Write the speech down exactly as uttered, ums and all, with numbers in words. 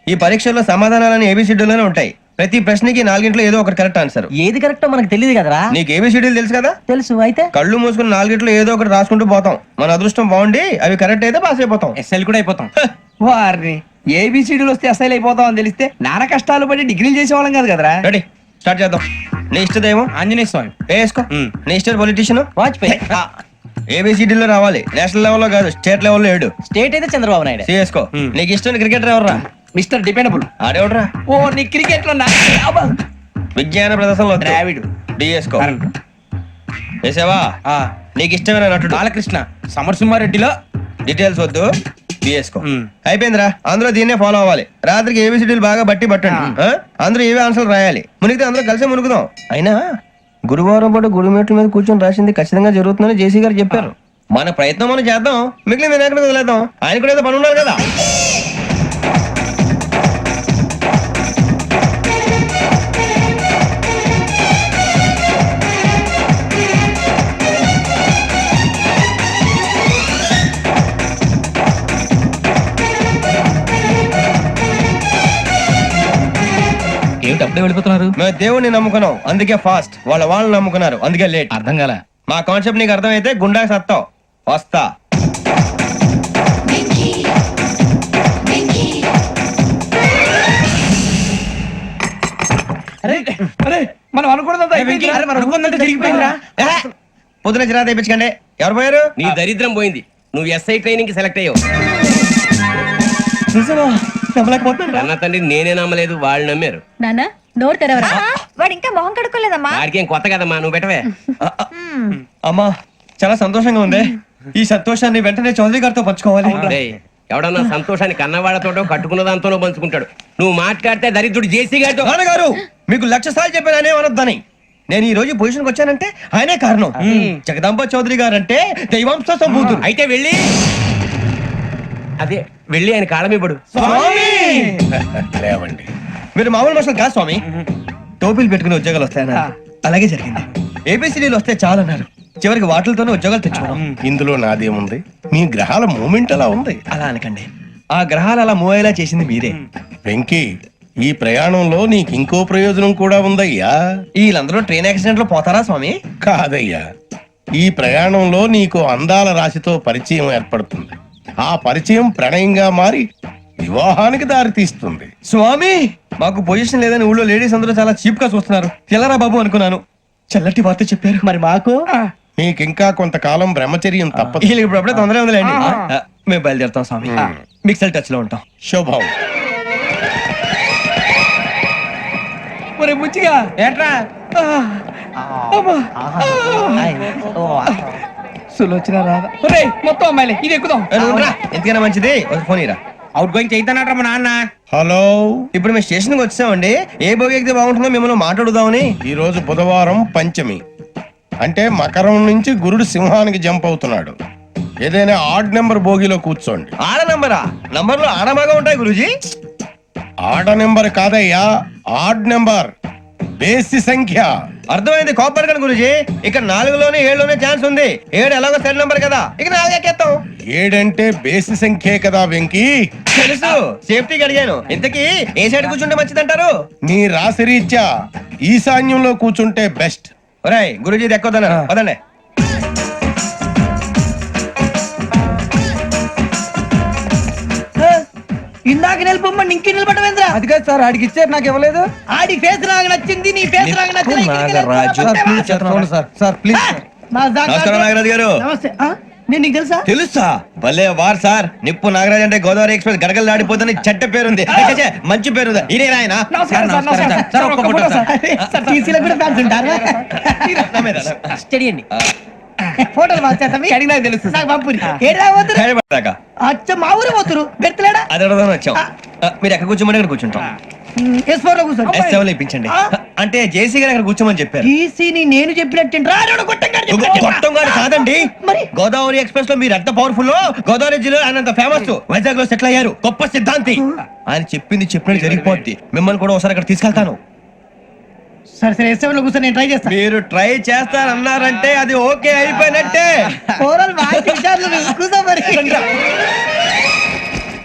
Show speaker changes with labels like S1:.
S1: ఈ పరీక్షల్లో సమాధానాలని ఏబిసిడ్యూల్లోనే ఉంటాయి. ప్రతి ప్రశ్నకి నాలుగింట్లో ఏదో ఒకటి కరెక్ట్ ఆన్సర్.
S2: ఏది కరెక్టో మనకు తెలియదు కదరా.
S1: నీకు ఏబిసిడ్యూల్ తెలుసు కదా?
S2: తెలుసు. అయితే
S1: కళ్ళు మూసుకుని నాలుగింట్లో ఏదో ఒకటి రాసుకుంటూ పోతాం. మన అదృష్టం బాగుండి అవి కరెక్ట్ అయితే పాస్ అయిపోతాం.
S3: ఎస్ఎల్ కూడా అయిపోతాం. వారిని ఏబిసిడీలు వస్తే ఎస్ఐలు అయిపోతాం అని తెలిస్తే నాన్న కష్టాలు పడి డిగ్రీలు చేసేవాళ్ళం కాదు కదరా.
S1: రెడీ, స్టార్ట్ చేద్దాం. నీ ఇష్టదేమో
S3: ఆంజనేయ స్వామి.
S1: వేసుకో. నీ ఇష్ట పొలిటీషియన్
S2: వాజ్పేయి.
S1: ఏబిసిడీలో రావాలి, నేషనల్ లెవెల్లో కాదు, స్టేట్ లెవెల్లో ఏడు.
S2: స్టేట్ అయితే చంద్రబాబు నాయుడు.
S1: సిఎస్కో. నీకు ఇష్టం క్రికెటర్ ఎవర్రా?
S3: Mister dependable.
S1: ఆడేవడరా?
S3: ఓ నీ క్రికెట్ లో
S1: విజ్ఞాన ప్రదర్శనలో
S3: ద్రావిడు.
S1: డిఎస్కో. వేసావా? నీకు ఇష్టమైన నటుడు?
S3: బాలకృష్ణ. సమర్సింహారెడ్డిలో
S1: డీటెయిల్స్ వద్దు, బిఎస్కో. అయిపోయిందిరా, అందులో దీన్నే ఫాలో అవ్వాలి. రాత్రికి ఏబిసిడీలు బాగా బట్టి పట్టండి. అందరూ ఏవే ఆన్సర్లు రాయాలి. మునిగితే అందరూ కలిసి మునుగుదాం. అయినా గురువారం పాటు గురుమేట్ల మీద కూర్చొని రాసింది ఖచ్చితంగా జరుగుతుందని జేసీ గారు చెప్పారు. మన ప్రయత్నం మనం చేద్దాం, మిగిలిన వినాయకుడు వదిలేద్దాం. ఆయన కూడా ఏదో పని ఉన్నారు కదా.
S2: ఏమిటి అప్పుడే వెళ్ళిపోతున్నారు?
S1: మేము దేవుడిని నమ్ముకున్నాం, అందుకే ఫాస్ట్. వాళ్ళ వాళ్ళు నమ్ముకున్నారు, అందుకే లేట్.
S2: అర్థం కాల.
S1: మా కాన్సెప్ట్ నీకు అర్థమైతే గుండా సత్తావు. వస్తా.
S3: మనం అనుకున్నదంతా జరిగిపోయిందిరా.
S1: పొద్దున చిరా తెప్పించకండి. ఎవరు పోయారు?
S4: నీ దరిద్రం పోయింది. నువ్వు ఎస్ఐ ట్రైనింగ్ కి సెలెక్ట్ అయ్యావు. అన్న తండ్రి నేనే నమ్మలేదు, వాళ్ళు నమ్మారు.
S5: నాన్న నోరు తెరవరా.
S6: వాడు ఇంకా మొహం కడుక్కోలేదమ్మా.
S4: వాడికి ఏం కొత్త కదమ్మా, నువ్వు పెట్టవే.
S1: అమ్మా చాలా సంతోషంగా ఉంది. ఈ సంతోషాన్ని వెంటనే చౌదరి గారితో పంచుకోవాలి.
S4: డేయ్, ఎవడన్నా సంతోషాన్ని కన్నవాళ్లతోటో కట్టుకున్న దాంతోనో పంచుకుంటాడు. నువ్వు మాట్లాడితే దరిద్రుడు జేసీ గారితో.
S1: నాన్నగారు మీకు లక్ష సార్లు చెప్పాననే అనొద్దని. నేను ఈ రోజు పొజిషన్కి వచ్చానంటే ఆయనే కారణం. జగదాంబ చౌదరి గారు అంటే దైవాంశ సంభూతుడు.
S4: అయితే వెళ్ళి అదే వెళ్ళి ఆయన కాళ్ళమివ్వడు.
S1: లేవండి, మీరు మామూలు మనుషులు కాదు స్వామి. టోపీలు పెట్టుకుని ఉద్యోగాలు వస్తాయన్నా, అలాగే జరిగింది. ఏబిసిడీలు వస్తే చాలన్నారు, చివరికి వాటిలతోనే ఉద్యోగాలు తెచ్చుకున్నాం.
S7: ఇందులో నాదేముంది? మీ గ్రహాల మూమెంట్ అలా ఉంది.
S1: అలా అనకండి, ఆ గ్రహాలు అలా మూవ్ అయ్యేలా చేసింది మీరే.
S7: వెంకీ, ఈ ప్రయాణంలో నీకు ఇంకో ప్రయోజనం కూడా ఉందయ్యా.
S1: వీళ్ళందరూ ట్రైన్ యాక్సిడెంట్ లో పోతారా స్వామి?
S7: కాదయ్యా, ఈ ప్రయాణంలో నీకు అందాల రాశితో పరిచయం ఏర్పడుతుంది. ఆ పరిచయం ప్రణయంగా మారి వివాహానికి దారి తీస్తుంది.
S1: స్వామి మాకు పొజిషన్ లేదని ఊళ్ళో లేడీస్ అందరూ చాలా చీప్ గా చూస్తున్నారు. తెల్లరా బాబు అనుకున్నాను, చల్లటి వార్త చెప్పారు.
S2: మరి మాకు
S7: నీకింకా కొంతకాలం బ్రహ్మచర్యం తప్పదు.
S1: వీళ్ళకి ఇప్పుడు అప్పుడే తొందరగా ఉందిలేండి. ఆ, మేము బయలుదేరుతాం స్వామి. మిక్సెల్ టచ్ లో ఉంటాం.
S7: శుభం.
S3: ఒరే ముచ్చిగా ఏట్రా సులోచన రాదా? ఒరే మొత్తం అమ్మాయిలే, ఇది ఎక్కుదాం.
S1: ఏ, నువ్వు రా. ఎందుకైనా మంచిది ఒక ఫోన్ ఇరా.
S3: అవుట్ గోయింగ్ చేద్దానట్రా మా నాన్న.
S7: హలో,
S1: ఇప్పుడు మేము స్టేషన్ కి వచ్చామండి. ఏ బోగి ఎక్కితే బాగుంటుందో మిమ్మల్ని మాట్లాడుదామని.
S7: ఈ రోజు బుధవారం పంచమి, అంటే మకరం నుంచి గురుడు సింహానికి జంప్ అవుతున్నాడు. ఏదైనా ఆడ్ నెంబర్ బోగిలో కూర్చోండి.
S1: ఆడ నంబరా? నంబర్ లో ఆడ బాగా ఉంటాయి గురూజీ.
S7: ఆడ నెంబర్ కాదయ్యా, ఆడ్ నెంబర్, బేసి సంఖ్య.
S1: అర్థమైంది, కాపర్ కానీ గురూజీ. ఇక్కడ నాలుగులోనే ఏడులోనే ఛాన్స్ ఉంది. ఏడు ఎలాగో సెడ్ నంబర్ కదా, ఇక నాలుగు ఎక్కేస్తాం.
S7: ఏడంటే బేసి సంఖ్యే కదా వెంకీ.
S1: తెలుసు, సేఫ్టీకి అడిగాను. ఇంతకీ ఏ సైడ్ కూర్చుంటే మంచిదంటారు?
S7: నీ రాశి రీత్యా ఈశాన్యంలో కూర్చుంటే బెస్ట్.
S1: ఒరేయ్ గురూజీ దెక్కొద్దన పదండి.
S2: ఇందాక నిలబొమ్మని ఇంకే నిలబడమేంద్రా?
S3: అది కాదు సార్, ఆడికి ఇచ్చారు, నాకు ఇవ్వలేదు.
S2: ఆడి ఫేస్ నాకు నచ్చింది, నీ ఫేస్ నాకు నచ్చింది.
S3: Sir please.
S1: నమస్కారం నాగరాజు గారు.
S2: నమస్తే. ఆ? నేను నీకు తెలుసా?
S1: తెలుసా? భలే వార్ సార్. నిప్పు నాగరాజ్ అంటే గోదావరి ఎక్స్ప్రెస్ గడగలు దాడిపోతుంది చెడ్డ పేరుంది. ఛే, మంచి పేరుంది. ఇదే ఆయన.
S3: నమస్కారం సార్, నమస్కారం సార్. ఒక్క ఫోటో సార్.
S2: సార్ టీసీలో కూడా ఫ్యాన్స్ ఉంటారా? స్టడీ అండి. ఫోటోలు మార్చేస్తాం.
S3: అడిగినా తెలుసు
S2: నాకు పంపురి. ఏడా పోతురు?
S1: హైదరాబాద్
S2: అచ్చ మా ఊరు పోతురు. పెడతలేడా?
S1: అది అడగదామని వచ్చాం. ఆ, మీరు ఎక్కడ కూర్చోమని అక్కడ కూర్చుంటాం.
S2: ఎస్ ఫోర్ లో కూర్చోండి.
S1: ఎస్ సెవెన్ లో ఇప్పించండి. అంటే జేసీ గారు అక్కడ కూర్చోమని చెప్పారు.
S2: టీసీని నేను చెప్పినట్టు
S1: గొట్టం గారు కాదండి,
S2: మరి
S1: గోదావరి ఎక్స్ప్రెస్ లో మీరు ఎంత పవర్ఫుల్. గోదావరి జిల్లా ఆయన ఫేమస్. వైజాగ్ లో సెటిల్ అయ్యారు. గొప్ప సిద్ధాంతి. ఆయన చెప్పింది చెప్పినట్టు జరిగిపోద్ది. మిమ్మల్ని కూడా ఒకసారి అక్కడ తీసుకెళ్తాను.
S2: సరే సరే ఎస్ సెవెన్ లో కూర్చొని నేను ట్రై చేస్తాను.
S1: మీరు ట్రై చేస్తారన్నారంటే అది ఓకే అయిపోయినట్టే.
S2: కూర్చో మరి.